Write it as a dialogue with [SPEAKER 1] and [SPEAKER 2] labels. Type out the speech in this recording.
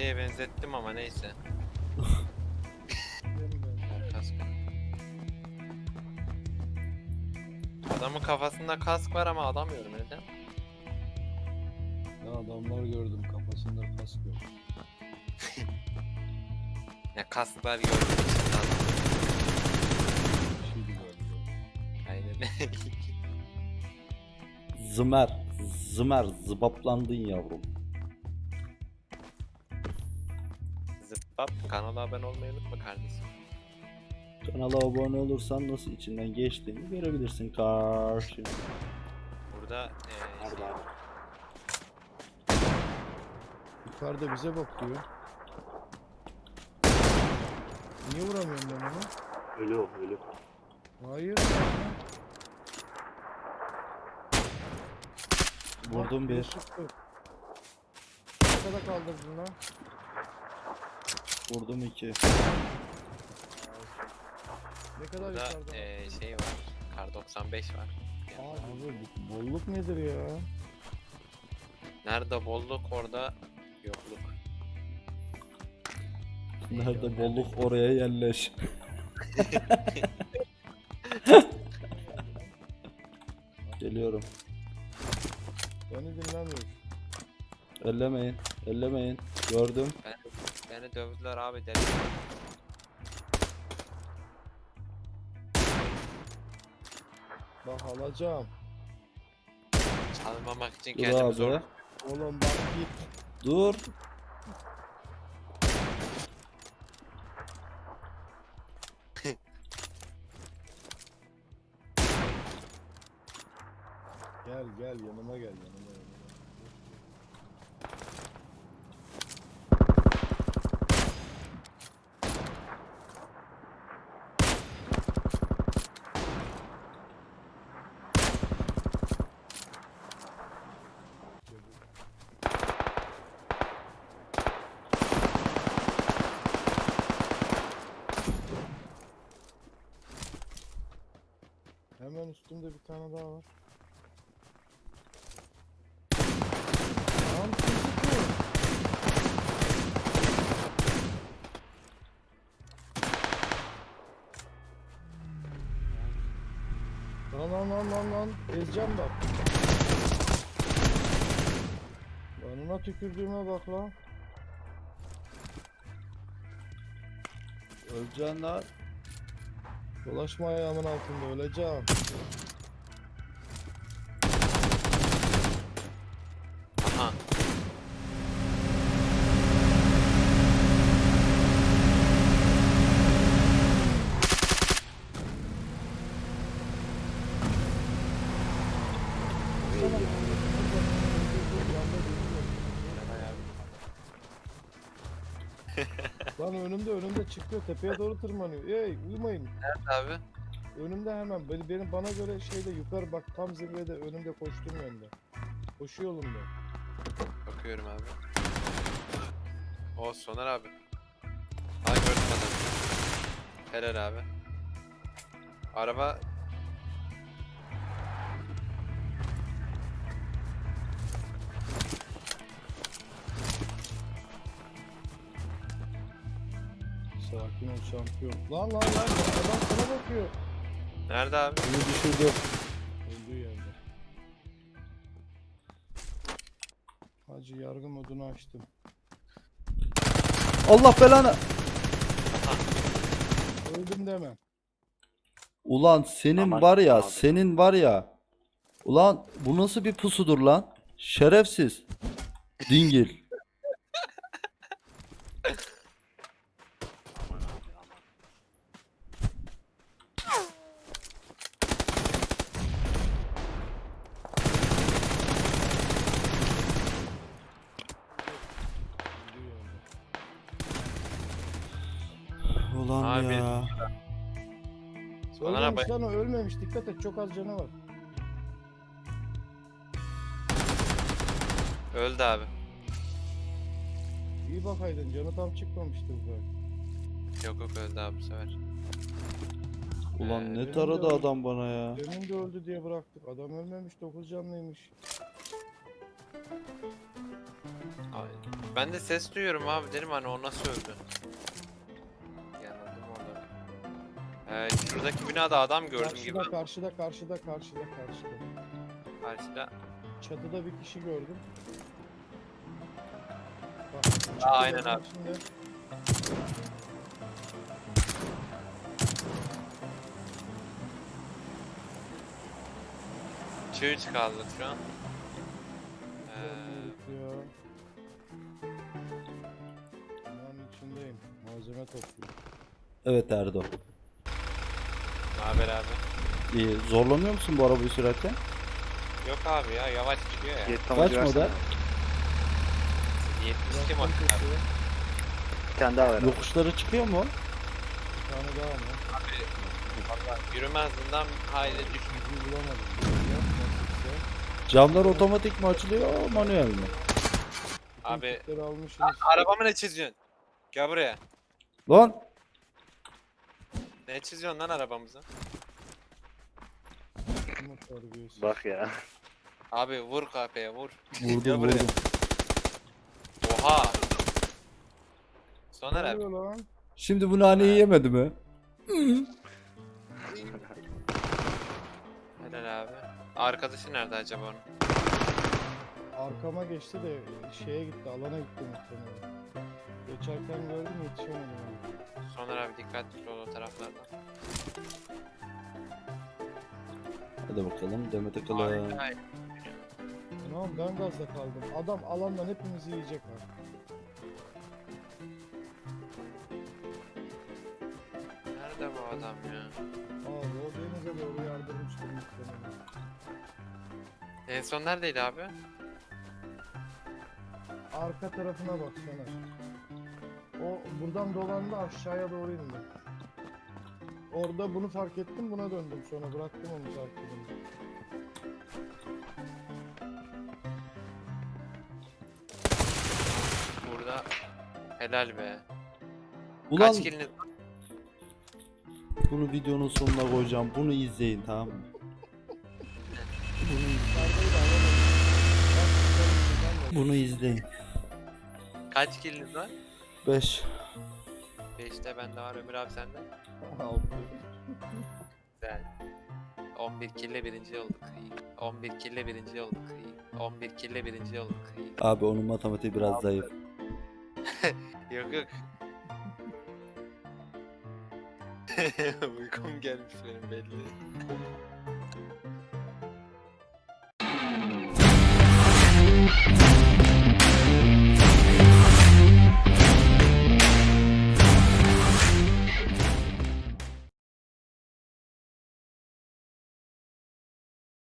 [SPEAKER 1] şeye benzettim ama neyse. Kask. Adamın kafasında kask var ama alamıyorum neden?
[SPEAKER 2] Ya adamlar gördüm kafasında kask yok.
[SPEAKER 1] Ya kask var gördüm işte adam.
[SPEAKER 2] Bir şeydi galiba.
[SPEAKER 1] Aynen.
[SPEAKER 3] Zımer. Zımer. Zıbaplandın yavrum.
[SPEAKER 1] Zıppap kanala abone olmayı unutma kardeşim.
[SPEAKER 3] Kanala abone olursan nasıl içinden geçtiğini görebilirsin karşı.
[SPEAKER 1] Burada
[SPEAKER 3] Nerede abi?
[SPEAKER 2] Yukarıda bize bakıyor. Niye vuramıyorum ben onu?
[SPEAKER 3] Ölü o ölü.
[SPEAKER 2] Hayır.
[SPEAKER 3] Vurdum bir.
[SPEAKER 2] Çıktı. Ne kadar kaldırdın lan?
[SPEAKER 3] Vurdum 2.
[SPEAKER 2] Ne kadar
[SPEAKER 1] burada
[SPEAKER 2] yukarıda?
[SPEAKER 1] şey var. Kar 95 var.
[SPEAKER 2] Abi bu bolluk nedir ya?
[SPEAKER 1] Nerede bolluk orada yokluk.
[SPEAKER 3] Nerede bolluk oraya yerleş. Geliyorum.
[SPEAKER 2] Beni dinlemiyor.
[SPEAKER 3] Ellemeyin. Ellemeyin. Gördüm.
[SPEAKER 1] Beni dövdüler abi deli.
[SPEAKER 2] Bak alacağım.
[SPEAKER 1] Çalmamak için
[SPEAKER 3] Dur
[SPEAKER 1] kendimi
[SPEAKER 3] abi.
[SPEAKER 1] zor.
[SPEAKER 2] Oğlum bak git.
[SPEAKER 3] Dur.
[SPEAKER 2] Gel gel yanıma gel yanıma. Hemen üstümde bir tane daha var. Lan kim sıkıyor? Lan. Ezeceğim bak. Yanına tükürdüğüme bak lan.
[SPEAKER 3] Öleceksin lan.
[SPEAKER 2] Dolaşma ayağımın altında öleceğim.
[SPEAKER 1] Aha.
[SPEAKER 2] Lan önümde çıkıyor tepeye doğru tırmanıyor. Ey uyumayın.
[SPEAKER 1] Nerede abi?
[SPEAKER 2] Önümde hemen benim bana göre şeyde yukarı bak tam zirvede önümde koştuğum yönde. Koşu yolunda.
[SPEAKER 1] Bakıyorum abi. O Soner abi. Ay gördüm adamı. Helal abi. Araba
[SPEAKER 2] Sakin ol şampiyon. Lan adam sana bakıyor.
[SPEAKER 1] nerede abi?
[SPEAKER 3] Bunu düşürdüm.
[SPEAKER 2] Öldüğü yerde. Hacı yargı modunu açtım.
[SPEAKER 3] Allah belanı.
[SPEAKER 2] Öldüm deme.
[SPEAKER 3] Ulan senin
[SPEAKER 1] Aman
[SPEAKER 3] var ya,
[SPEAKER 1] abi.
[SPEAKER 3] senin var ya. Ulan bu nasıl bir pusudur lan? Şerefsiz. Dingil.
[SPEAKER 2] Öldüğü yerde.
[SPEAKER 3] Ulan
[SPEAKER 1] Abi.
[SPEAKER 3] ya.
[SPEAKER 1] Soner abi.
[SPEAKER 2] Ölmemiş lan o ölmemiş. Dikkat et çok az canı var.
[SPEAKER 1] Öldü abi.
[SPEAKER 2] İyi bakaydın canı tam çıkmamıştı bu kadar.
[SPEAKER 1] Yok öldü abi bu sefer.
[SPEAKER 3] Ulan
[SPEAKER 1] Benim
[SPEAKER 3] ne
[SPEAKER 2] de
[SPEAKER 3] taradı
[SPEAKER 2] öyle.
[SPEAKER 3] adam bana ya.
[SPEAKER 2] Demin de öldü diye bıraktık. Adam ölmemiş 9 canlıymış.
[SPEAKER 1] Ay. Ben de ses duyuyorum abi, dedim hani o nasıl öldü? Yanıldım orada. Şuradaki binada adam gördüm gibi.
[SPEAKER 2] Karşıda.
[SPEAKER 1] Karşıda.
[SPEAKER 2] Çatıda bir kişi gördüm. Bak,
[SPEAKER 1] Aynen
[SPEAKER 2] çatıların
[SPEAKER 1] abi.
[SPEAKER 2] içinde.
[SPEAKER 1] Çığ çıkardık şu an.
[SPEAKER 2] Ya. Binanın içindeyim. Malzeme topluyorum.
[SPEAKER 3] Evet Erdo.
[SPEAKER 1] Naber abi?
[SPEAKER 3] İyi. Zorlanıyor musun bu arabayı sürerken?
[SPEAKER 1] Yok abi ya, yavaş gidiyor ya.
[SPEAKER 4] Yetki
[SPEAKER 3] Kaç
[SPEAKER 4] amacı versene.
[SPEAKER 3] model?
[SPEAKER 1] 72
[SPEAKER 2] Bıraktım
[SPEAKER 1] model.
[SPEAKER 2] köşeye.
[SPEAKER 4] Bir tane daha ver.
[SPEAKER 3] Yokuşları çıkıyor mu?
[SPEAKER 2] Bir tane daha mı?
[SPEAKER 1] Abi valla yürüme hızından hayli düşmüş.
[SPEAKER 2] Bizi bulamadım. Ya, nasipse.
[SPEAKER 3] Camlar otomatik mi açılıyor, manuel mi?
[SPEAKER 1] Abi
[SPEAKER 2] Kitleri almışsınız.
[SPEAKER 1] arabamı ne çiziyorsun? Gel buraya.
[SPEAKER 3] Lan!
[SPEAKER 1] Ne çiziyorsun lan arabamızı?
[SPEAKER 2] Ama terbiyesiz.
[SPEAKER 4] Bak ya.
[SPEAKER 1] Abi vur kafaya vur. Gel
[SPEAKER 3] Vurdum
[SPEAKER 1] buraya.
[SPEAKER 3] vurdum.
[SPEAKER 1] Oha.
[SPEAKER 2] Ne
[SPEAKER 1] Soner abi.
[SPEAKER 2] oluyor lan?
[SPEAKER 3] Şimdi bu naneyi yemedi mi?
[SPEAKER 1] Helal abi. Arkadaşı nerede acaba onun?
[SPEAKER 2] Arkama geçti de şeye gitti, alana gitti muhtemelen. Geçerken gördüm, yetişemedim. ona.
[SPEAKER 1] Soner abi dikkatli ol o taraflardan.
[SPEAKER 3] Hadi bakalım Demet
[SPEAKER 1] Abi,
[SPEAKER 3] Akalın.
[SPEAKER 1] hayır.
[SPEAKER 2] Tamam, ben gazda kaldım. Adam alandan hepimizi yiyecek ha.
[SPEAKER 1] Nerede bu adam ya?
[SPEAKER 2] Abi o denize doğru yardırmıştır muhtemelen.
[SPEAKER 1] En son neredeydi abi?
[SPEAKER 2] Arka tarafına bak Soner. O buradan dolandı, aşağıya doğru indi. Orada bunu fark ettim, buna döndüm sonra, bıraktım onu fark edince.
[SPEAKER 1] Burada. Helal be.
[SPEAKER 3] Ulan
[SPEAKER 1] Kaç kiliniz?
[SPEAKER 3] bunu videonun sonuna koyacağım. Bunu izleyin, tamam mı?
[SPEAKER 2] Yukarıdaydı, alamadım. Bak, yukarı buradan da-
[SPEAKER 3] Bunu izleyin.
[SPEAKER 1] Kaç kiliniz var?
[SPEAKER 3] 5.
[SPEAKER 1] 5'te bende var, Ömür abi sende.
[SPEAKER 2] Altı.
[SPEAKER 1] Güzel. 11 kille birinci olduk. İyi. 11 kille birinci olduk. İyi. 11 kille birinci olduk. İyi.
[SPEAKER 3] Abi onun matematiği biraz zayıf.
[SPEAKER 1] Yok yok. Uykum gelmiş benim belli.